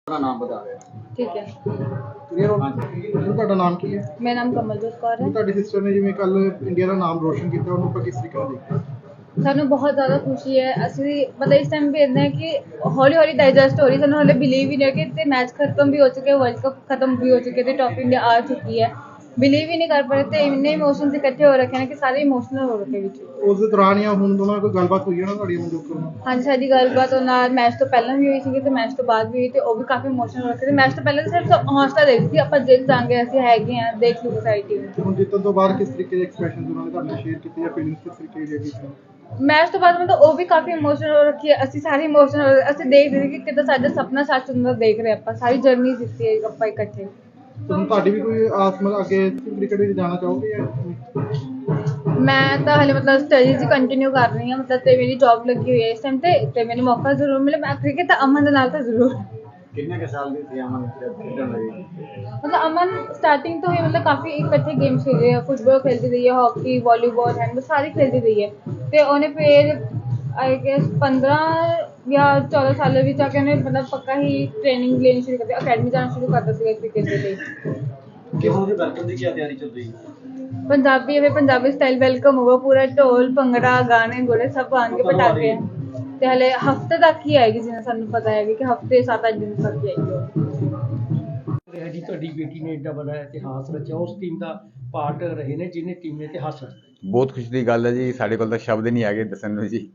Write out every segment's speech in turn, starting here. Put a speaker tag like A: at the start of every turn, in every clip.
A: अपना नाम बता रहे हैं।
B: ठीक है।
C: ਕਲੀਅਰ ਹੋ ਤੁਹਾਡਾ ਨਾਮ ਕੀ ਹੈ?
B: मेरा नाम कमलजोत कौर है।
C: ਤੁਹਾਡੀ ਸਿਸਟਰ ਨੇ ਜਿਵੇਂ ਕੱਲ ਇੰਡੀਆ ਦਾ ਨਾਮ ਰੋਸ਼ਨ ਕੀਤਾ ਉਹਨੂੰ ਆਪਾਂ ਕਿਸ ਤਰੀਕੇ ਨਾਲ ਦੇਖਦੇ ਹਾਂ?
B: ਸਾਨੂੰ ਬਹੁਤ ਜ਼ਿਆਦਾ ਖੁਸ਼ੀ ਹੈ। ਅਸੀਂ ਮਤਲਬ ਇਸ ਟਾਈਮ ਵੇਖਦੇ ਹਾਂ ਕਿ ਹੌਲੀ ਹੌਲੀ ਡਾਈਜੈਸਟ ਹੋ ਰਹੀ, ਸਾਨੂੰ ਹਲੇ ਬਿਲੀਵ ਹੀ ਨਹੀਂ ਕਿ ਤੇ ਮੈਚ ਖਤਮ ਵੀ ਹੋ ਚੁੱਕੇ, ਵਰਲਡ ਕੱਪ ਖਤਮ ਵੀ ਹੋ ਚੁੱਕੇ ਤੇ ਟੌਪ ਇੰਡੀਆ ਆ ਚੁੱਕੀ ਹੈ। ਬਿਲੀਵ ਹੀ ਨਹੀਂ ਕਰ ਪਾ ਰਹੇ ਤੇ ਇੰਨੇ ਇਮੋਸ਼ਨਸ ਇਕੱਠੇ ਹੋ ਰੱਖੇ ਨੇ ਕਿ ਸਾਰੇ ਇਮੋਸ਼ਨਲ ਹੋ ਰੱਖੇ ਵਿੱਚ।
C: ਉਸ ਦੇ ਦੌਰਾਨ ਜਾਂ ਹੁਣ ਦੋਨਾਂ ਕੋਈ ਗੱਲਬਾਤ ਹੋਈ ਹੈ ਨਾ ਤੁਹਾਡੀ ਮਨਜੋਤ ਨਾਲ?
B: ਹਾਂਜੀ, ਸਾਡੀ ਗੱਲਬਾਤ ਉਹਨਾਂ ਨਾਲ ਮੈਚ ਤੋਂ ਪਹਿਲਾਂ ਵੀ ਹੋਈ ਸੀਗੀ ਤੇ ਮੈਚ ਤੋਂ ਬਾਅਦ ਵੀ ਹੋਈ ਤੇ ਉਹ ਵੀ ਕਾਫੀ ਇਮੋਸ਼ਨਲ ਹੋ ਰੱਖੇ ਤੇ ਮੈਚ ਤੋਂ ਪਹਿਲਾਂ ਤਾਂ ਸਿਰਫ ਹੌਸਲਾ ਦੇ ਰਹੀ ਸੀ ਆਪਾਂ ਜਿੱਤ ਜਾਵਾਂਗੇ, ਅਸੀਂ ਹੈਗੇ ਹਾਂ, ਦੇਖ ਲਓ ਸਾਡੀ ਟੀਮ।
C: ਹੁਣ ਜਿੱਤਣ ਤੋਂ ਬਾਅਦ ਕਿਸ ਤਰੀਕੇ ਦੇ ਐਕਸਪ੍ਰੈਸ਼ਨ ਉਹਨਾਂ ਨੇ ਤੁਹਾਡੇ ਨਾਲ ਸ਼ੇਅਰ ਕੀਤੇ ਜਾਂ ਫੀਲਿੰਗਸ ਕਿਸ ਤਰੀਕੇ ਦੀ ਹੈਗੀ?
B: ਮੈਚ ਤੋਂ ਬਾਅਦ ਮਤਲਬ ਉਹ ਵੀ ਕਾਫੀ ਇਮੋਸ਼ਨਲ ਹੋ ਰੱਖੀ ਹੈ, ਅਸੀਂ ਸਾਰੇ ਇਮੋਸ਼ਨਲ, ਅਸੀਂ ਦੇਖ ਰਹੇ ਕਿ ਕਿੱਦਾਂ ਸਾਡਾ ਸੁਪਨਾ ਸੱਚ ਹੁੰਦਾ ਦੇਖ ਰਹੇ ਆਪਾਂ, ਸਾਰੀ ਜਰਨੀ ਦਿੱਤੀ ਹੈ ਆਪਾਂ ਇਕੱਠੇ।
C: ਤੁਹਾਨੂੰ ਤੁਹਾਡੀ ਵੀ ਕੋਈ ਆਸ ਮਤਲਬ ਅੱਗੇ ਕ੍ਰਿਕਟ ਵਿੱਚ ਜਾਣਾ ਚਾਹੋਗੇ ਜਾਂ?
B: ਮੈਂ ਤਾਂ ਹਲੇ ਮਤਲਬ ਸਟੱਡੀਜ਼ ਕੰਟੀਨਿਊ ਕਰ ਰਹੀ ਹਾਂ, ਮਤਲਬ ਤੇ ਮੇਰੀ ਜੌਬ ਲੱਗੀ ਹੋਈ ਹੈ ਇਸ ਟਾਈਮ ਤੇ ਮੈਨੂੰ ਮੌਕਾ ਜ਼ਰੂਰ ਮਿਲੇ ਮੈਂ ਕ੍ਰਿਕਟ ਤਾਂ ਅਮਨ ਦੇ ਨਾਲ ਤਾਂ ਜ਼ਰੂਰ।
A: कितने के साल की थी अमन जब खेलने लगी?
B: मतलब अमन स्टार्टिंग तो ही मतलब काफ़ी इकट्ठे गेम्स खेले हैं, फुटबॉल खेलती रही है, हॉकी, वॉलीबॉल, हैंडबॉल सारी खेलती रही है तो उन्हें फिर आई गेस 15 या 14 साल भी जाके उन्हें मतलब पक्का ही ट्रेनिंग लेनी शुरू कर दी, अकेडमी जाना शुरू करता था क्रिकेट के लिए।
A: गेहूं के वेलकम की क्या तैयारी चल रही है?
B: पंजाबी स्टाइल वेलकम होगा, पूरा ढोल भंगड़ा गाने गोले सब आएंगे, पटाखे हैं ਤੇ ਹਲੇ ਹਫਤੇ ਤੱਕ ਹੀ ਆਏਗੀ, ਜਿਵੇਂ ਸਾਨੂੰ ਪਤਾ ਹੈ ਕਿ ਹਫਤੇ 7-8 ਦਿਨ ਤੱਕ ਹੀ ਆਏਗੀ।
D: ਜੀ ਤੁਹਾਡੀ ਬੇਟੀ ਨੇ ਏਡਾ ਵੱਡਾ ਇਤਿਹਾਸ ਰਚਿਆ, ਉਸ ਟੀਮ ਦਾ ਪਾਰਟ ਰਹੇ ਨੇ ਜਿਹਨੇ ਟੀਮ ਨੇ ਇਤਿਹਾਸ ਰਚਿਆ।
E: ਬਹੁਤ ਖੁਸ਼ੀ ਦੀ ਗੱਲ ਹੈ ਜੀ, ਸਾਡੇ ਕੋਲ ਤਾਂ ਸ਼ਬਦ ਨਹੀਂ ਹੈਗੇ ਦੱਸਣ ਨੂੰ ਜੀ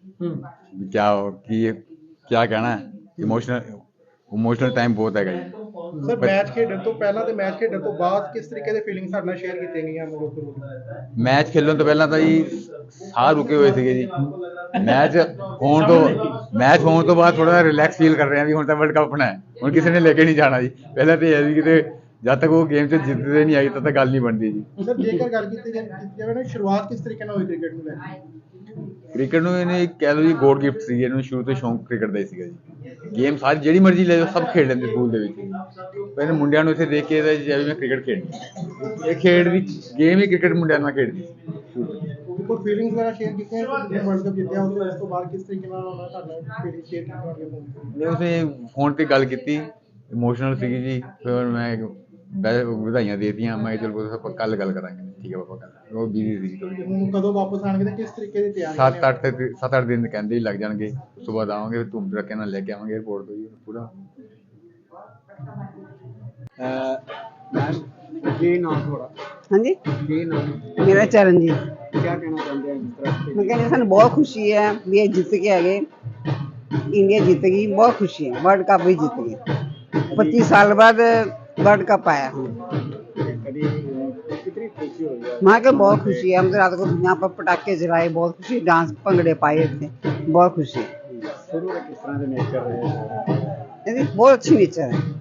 E: ਕਿਆ ਕਹਿਣਾ। ਇਮੋਸ਼ਨਲ ਟਾਈਮ ਬਹੁਤ ਹੈਗਾ ਜੀ।
C: ਸਰ ਮੈਚ ਖੇਡਣ ਤੋਂ ਪਹਿਲਾਂ ਤੇ ਮੈਚ ਖੇਡਣ ਤੋਂ ਬਾਅਦ ਕਿਸ ਤਰੀਕੇ ਦੇ ਫੀਲਿੰਗ ਸਾਡੇ ਨਾਲ ਸ਼ੇਅਰ ਕੀਤੀਆਂ ਗਈਆਂ ਮਨਜੋਤ ਕੋਲ?
E: ਮੈਚ ਖੇਲਣ ਤੋਂ ਪਹਿਲਾਂ ਤਾਂ ਜੀ ਸਾਹ ਰੁਕੇ ਹੋਏ ਸੀਗੇ ਜੀ। ਮੈਚ ਹੋਣ ਤੋਂ ਬਾਅਦ ਥੋੜਾ ਰਿਲੈਕਸ ਫੀਲ ਕਰ ਰਹੇ ਹਾਂ ਵੀ ਹੁਣ ਤਾਂ ਵਰਲਡ ਕੱਪ ਆਪਣਾ ਹੈ, ਹੁਣ ਕਿਸੇ ਨੇ ਲੈ ਕੇ ਨਹੀਂ ਜਾਣਾ ਜੀ। ਪਹਿਲਾਂ ਤਾਂ ਇਹ ਵੀ ਕਿਤੇ ਜਦ ਤੱਕ ਉਹ ਗੇਮ 'ਚ ਜਿੱਤਦੇ ਨਹੀਂ ਆਈ ਤਦ ਤੱਕ ਗੱਲ ਨਹੀਂ ਬਣਦੀ ਜੀ।
C: ਸਰ ਜੇਕਰ ਗੱਲ ਕੀਤੀ ਜਾਵੇ ਨਾ ਸ਼ੁਰੂਆਤ ਕਿਸ ਤਰੀਕੇ ਨਾਲ ਹੋਈ ਕ੍ਰਿਕਟ ਨੂੰ ਲੈ ਕੇ?
E: ਕ੍ਰਿਕਟ ਨੂੰ ਇਹਨੇ ਕਹਿ ਲਓ ਜੀ ਗੋਡ ਗਿਫਟ ਸੀ, ਇਹਨੂੰ ਸ਼ੁਰੂ ਤੋਂ ਸ਼ੌਂਕ ਕ੍ਰਿਕਟ ਦਾ ਹੀ ਸੀਗਾ ਜੀ। ਗੇਮ ਸਾਰੀ ਜਿਹੜੀ ਮਰਜ਼ੀ ਲੈ ਜਾਓ ਸਭ ਖੇਡ ਲੈਂਦੇ ਸਕੂਲ ਦੇ ਵਿੱਚ। ਪਹਿਲੇ ਮੁੰਡਿਆਂ ਨੂੰ ਇੱਥੇ ਦੇਖ ਕੇ ਜਿਵੇਂ ਮੈਂ ਕ੍ਰਿਕਟ ਖੇਡਣੀ, ਇਹ ਖੇਡ ਦੀ ਗੇਮ ਹੀ ਕ੍ਰਿਕਟ ਮੁੰਡਿਆਂ ਨਾਲ ਖੇਡਦੀ।
C: ਕੋਈ ਫੀਲਿੰਗਸ ਵਗੈਰਾ ਸ਼ੇਅਰ ਕੀਤੀਆਂ ਵਰਲਡ ਕੱਪ ਜਿੱਤਿਆ ਉਸ ਤੋਂ ਬਾਅਦ ਕਿਸ ਤਰੀਕੇ ਨਾਲ ਉਹਨਾਂ ਤੁਹਾਡਾ ਫੀਲਿੰਗ ਸ਼ੇਅਰ ਕੀਤੀ?
E: ਉਸਨੇ ਫੋਨ ਤੇ ਗੱਲ ਕੀਤੀ, ਇਮੋਸ਼ਨਲ ਸੀਗੀ ਜੀ। ਫਿਰ ਮੈਂ ਵਧਾਈਆਂ ਦੇ ਦਿੱਤੀਆਂ, ਮੈਂ ਚਲ ਆਪਾਂ ਕੱਲ ਗੱਲ ਕਰਾਂਗੇ। ਠੀਕ ਹੈ ਪਾਪਾ, ਕੱਲ ਉਹ ਬਿਜ਼ੀ ਸੀ ਥੋੜੀ।
C: ਹੁਣ ਕਦੋਂ ਵਾਪਸ ਆਣਗੇ ਤੇ ਕਿਸ ਤਰੀਕੇ ਦੀ ਤਿਆਰੀ?
E: 7-8 ਦਿਨ ਕਹਿੰਦੇ ਹੀ ਲੱਗ ਜਾਣਗੇ। ਉਸ ਤੋਂ ਬਾਅਦ ਆਵਾਂਗੇ, ਧੂਮ ਧੜੱਕੇ ਨਾਲ ਲੈ ਕੇ ਆਵਾਂਗੇ 에어ਪੋਰਟ ਤੋਂ ਜੀ ਪੂਰਾ।
A: मैम ये नाम थोड़ा
F: हाँ जी,
A: ये नाम
F: मेरा चरणजीत।
A: क्या कहना चाहते हैं इस तरह से?
F: मैं कहनी सानू बहुत खुशी है भी ये जित के आ गए, इंडिया जीत गई, बहुत खुशी है। वर्ल्ड कप भी जीत गई, 25 साल बाद वर्ल्ड कप आया हूँ।
A: कभी कितनी खुशी हो गई?
F: वहाँ के बहुत खुशी है, हम तो रात को यहाँ पर पटाखे जलाए, बहुत खुशी, डांस भंगड़े पाए थे, बहुत खुशी है।
A: शुरू में किस तरह से नेचर रहे?
F: बहुत अच्छी नेचर है।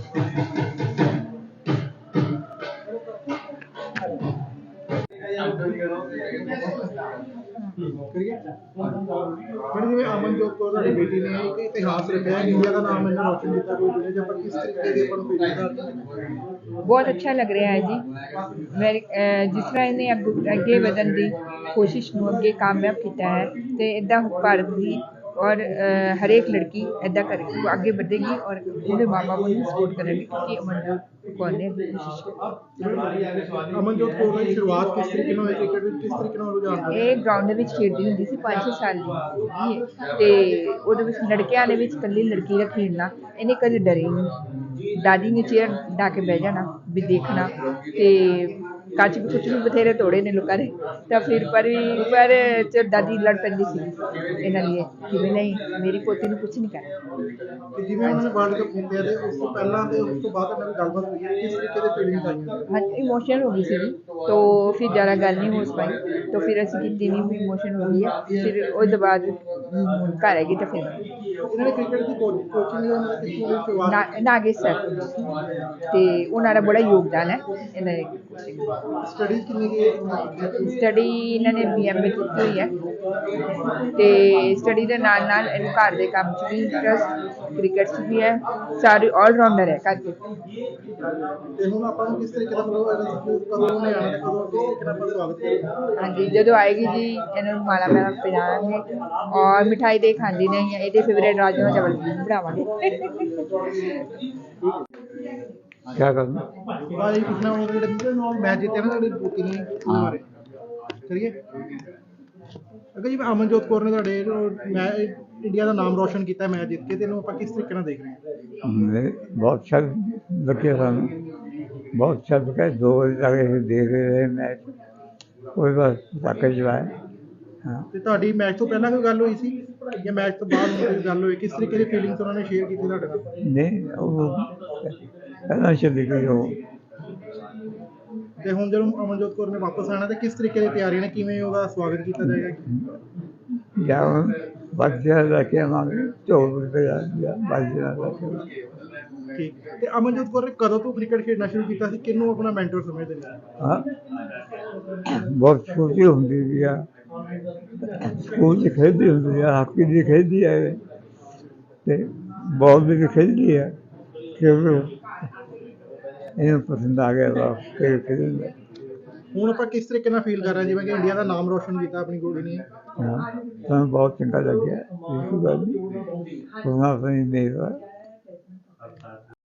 C: ਮੈਡਮ ਜਿਵੇਂ ਅਮਨਜੋਤ ਕੌਰ ਤੁਹਾਡੀ ਬੇਟੀ ਨੇ ਇੱਕ ਇਤਿਹਾਸ ਰਚਿਆ, ਇੰਡੀਆ ਦਾ ਨਾਮ ਇਹਨਾਂ ਰੋਸ਼ਨ ਕੀਤਾ, ਕੋਈ ਦੁਨੀਆ 'ਚ ਆਪਾਂ ਕਿਸ ਤਰੀਕੇ ਦੀ ਆਪਾਂ ਨੂੰ ਫੀਲਿੰਗ?
G: ਬਹੁਤ ਅੱਛਾ ਲੱਗ ਰਿਹਾ ਹੈ ਜੀ। ਮੇਰੀ ਜਿਸ ਤਰ੍ਹਾਂ ਇਹਨੇ ਅੱਗੇ ਵਧਣ ਦੀ ਕੋਸ਼ਿਸ਼ ਨੂੰ ਅੱਗੇ ਕਾਮਯਾਬ ਕੀਤਾ ਹੈ ਤੇ ਇੱਦਾਂ ਭਾਰਤ ਦੀ और हर एक लड़की ऐदा करेगी, वो आगे बढ़ेगी और पूरे माँ बाप को सपोर्ट करेगी क्योंकि अमनजोत कौर ने कोशिश की।
C: ਅਮਨਜੋਤ ਕੌਰ ਦੀ ਸ਼ੁਰੂਆਤ ਕਿਸ ਤਰੀਕੇ ਨਾਲ ਹੋਈ ਕ੍ਰਿਕਟ ਵਿੱਚ, ਕਿਸ ਤਰੀਕੇ ਨਾਲ ਰੁਝਾਨ?
G: ਇਹ ਗਰਾਊਂਡ ਦੇ ਵਿੱਚ ਖੇਡਦੀ ਹੁੰਦੀ ਸੀ 5-6 ਸਾਲ ਦੀ ਤੇ ਉਹਦੇ ਵਿੱਚ ਲੜਕਿਆਂ ਦੇ ਵਿੱਚ ਇਕੱਲੀ ਲੜਕੀ ਦਾ ਖੇਡਣਾ, ਇਹਨੇ ਕਦੇ ਡਰੇ ਨਹੀਂ। ਦਾਦੀ ਨੇ ਚੇਅਰ ਡਾ ਕੇ ਬਹਿ ਜਾਣਾ ਵੀ ਦੇਖਣਾ ਤੇ ਕੱਚ ਵੀ ਕੁਛ ਵੀ ਬਥੇਰੇ ਤੋੜੇ ਨੇ ਲੋਕਾਂ ਨੇ ਤਾਂ ਫਿਰ ਪਰ ਚ ਦਾਦੀ ਲੜ ਪੈਂਦੀ ਸੀ ਇਹਨਾਂ ਲਈ ਕਿ ਵੀ ਨਹੀਂ ਮੇਰੀ ਪੋਤੀ ਨੂੰ ਕੁਛ ਨਹੀਂ ਕਰਨਾ।
C: ਜਿਵੇਂ ਉਹਨਾਂ ਨੇ ਵਰਲਡ ਕੱਪ ਜਿੱਤਿਆ ਤੇ ਉਸ ਤੋਂ ਪਹਿਲਾਂ ਤੇ ਉਸ ਤੋਂ ਬਾਅਦ ਇਹਨਾਂ ਦੀ ਗੱਲਬਾਤ ਹੋਈ ਹੈ, ਕਿਸ ਤਰੀਕੇ ਦੇ ਫੀਲਿੰਗਸ ਆਈਆਂ?
G: हाँ इमोशनल हो गई थी तो फिर ज़्यादा गल नहीं हो पाई तो फिर असी की भी इमोशन हो गई है। फिर उसके बाद घर हैगी तो फिर
C: ਇਹਨਾਂ ਨੇ ਕ੍ਰਿਕਟ ਦੀ ਕੋਚਿੰਗ ਉਹਨਾਂ ਨੇ ਕਿੱਥੋਂ ਲਈ ਸ਼ੁਰੂਆਤ?
G: नागेश सर तो उन्होंने बड़ा योगदान है इन्होंने
C: ਸਟੱਡੀ ਕਿੰਨੀ ਕੀ
G: ਸਟੱਡੀ ਇਹਨਾਂ ਨੇ BMA ਕੀਤੀ ਹੋਈ ਹੈ ਤੇ ਸਟੱਡੀ ਦੇ ਨਾਲ ਨਾਲ ਇਹਨੂੰ ਘਰ ਦੇ ਕੰਮ 'ਚ ਵੀ ਇੰਟਰਸਟ, ਕ੍ਰਿਕਟ 'ਚ ਵੀ ਹੈ, ਸਾਰੀ ਆਲਰਾਊਂਡਰ ਹੈ ਘਰ 'ਚ।
C: ਤੇ ਹੁਣ ਆਪਾਂ ਨੂੰ ਕਿਸ ਤਰੀਕੇ ਦਾ ਮਤਲਬ ਕਦੋਂ ਉਹਨੇ ਆਉਣਾ ਤੇ ਕਦੋਂ ਕਿਸ ਤਰੀਕੇ ਨਾਲ ਆਪਾਂ ਸਵਾਗਤ ਕਰਾਂਗੇ?
G: ਹਾਂਜੀ, ਜਦੋਂ ਆਏਗੀ ਜੀ ਇਹਨੂੰ ਮਾਲਾ ਮਾਲਾ ਪਿਲਾਵਾਂਗੇ ਔਰ ਮਿਠਾਈ ਦੇ ਖਾਂਦੀ ਨਹੀਂ ਹੈ, ਇਹਦੇ ਫੇਵਰੇਟ ਰਾਜਮਾ ਚਾਵਲ ਬਣਾਵਾਂਗੇ।
E: क्या करना
C: ਭਾਈ ਪੁੱਛਣਾ ਉਹ ਜਿਹੜੇ ਮੈਚ ਜਿੱਤੇ ਨਾ ਤੁਹਾਡੀ ਬੂਟੀ ਨੇ ਉਹਦੇ ਬਾਰੇ ਕਰੀਏ। ਅਗਰ ਜੀ ਅਮਨਜੋਤ ਕੌਰ ਨੇ ਤੁਹਾਡੇ ਮੈਂ ਇੰਡੀਆ ਦਾ ਨਾਮ ਰੋਸ਼ਨ ਕੀਤਾ ਮੈਚ ਜਿੱਤ ਕੇ, ਤੇ ਇਹਨੂੰ ਆਪਾਂ ਕਿਸ ਤਰੀਕੇ ਨਾਲ ਦੇਖ ਰਹੇ ਹਾਂ?
E: बहुत अच्छा लगे सानू, बहुत अच्छा लगा। 2 बजे तक देख रहे मैच, कोई बस पटाखे चलाए। हाँ,
C: ਤੇ ਤੁਹਾਡੀ ਮੈਚ ਤੋਂ ਪਹਿਲਾਂ ਕੋਈ ਗੱਲ ਹੋਈ ਸੀ ਜਾਂ ਮੈਚ ਤੋਂ ਬਾਅਦ ਕੋਈ ਗੱਲ ਹੋਈ? ਕਿਸ ਤਰੀਕੇ ਦੀ ਫੀਲਿੰਗਸ ਉਹਨਾਂ ਨੇ ਸ਼ੇਅਰ ਕੀਤੀ ਤੁਹਾਡੇ ਨਾਲ?
E: नहीं वो पहला चली गई वो।
C: ਤੇ ਹੁਣ ਜਦੋਂ ਅਮਨਜੋਤ ਕੌਰ ਨੇ ਵਾਪਸ ਆਣਾ ਤੇ ਕਿਸ ਤਰੀਕੇ ਦੀ ਤਿਆਰੀ ਨੇ, ਕਿਵੇਂ ਉਹਦਾ ਸਵਾਗਤ ਕੀਤਾ ਜਾਏਗਾ?
E: या बच्चे रखे हमारे 24 रुपये बच्चे रखे।
C: ਠੀਕ। ਤੇ ਅਮਨਜੋਤ ਕੌਰ ਨੇ ਕਦੋਂ ਤੋਂ ਕ੍ਰਿਕਟ ਖੇਡਣਾ ਸ਼ੁਰੂ ਕੀਤਾ ਸੀ? ਕਿਹਨੂੰ ਆਪਣਾ ਮੈਂਟਰ ਸਮਝਦੇ ਨੇ?
E: हाँ, बहुत छोटी होती थी यार, स्कूल से खेलती होती है, हॉकी भी खेलती है, ते बॉल भी खेलती है, क्योंकि इन्हें पसंद आ गया था खेलने।
C: ਹੁਣ ਆਪਾਂ ਕਿਸ ਤਰੀਕੇ ਨਾਲ ਫੀਲ ਕਰ ਰਹੇ ਹਾਂ ਜਿਵੇਂ ਕਿ ਇੰਡੀਆ ਦਾ ਨਾਮ ਰੋਸ਼ਨ ਕੀਤਾ ਆਪਣੀ ਕੁੜੀ ਨੇ?
E: हाँ, तो बहुत चंगा लग गया। बिल्कुल नहीं, अपनी नहीं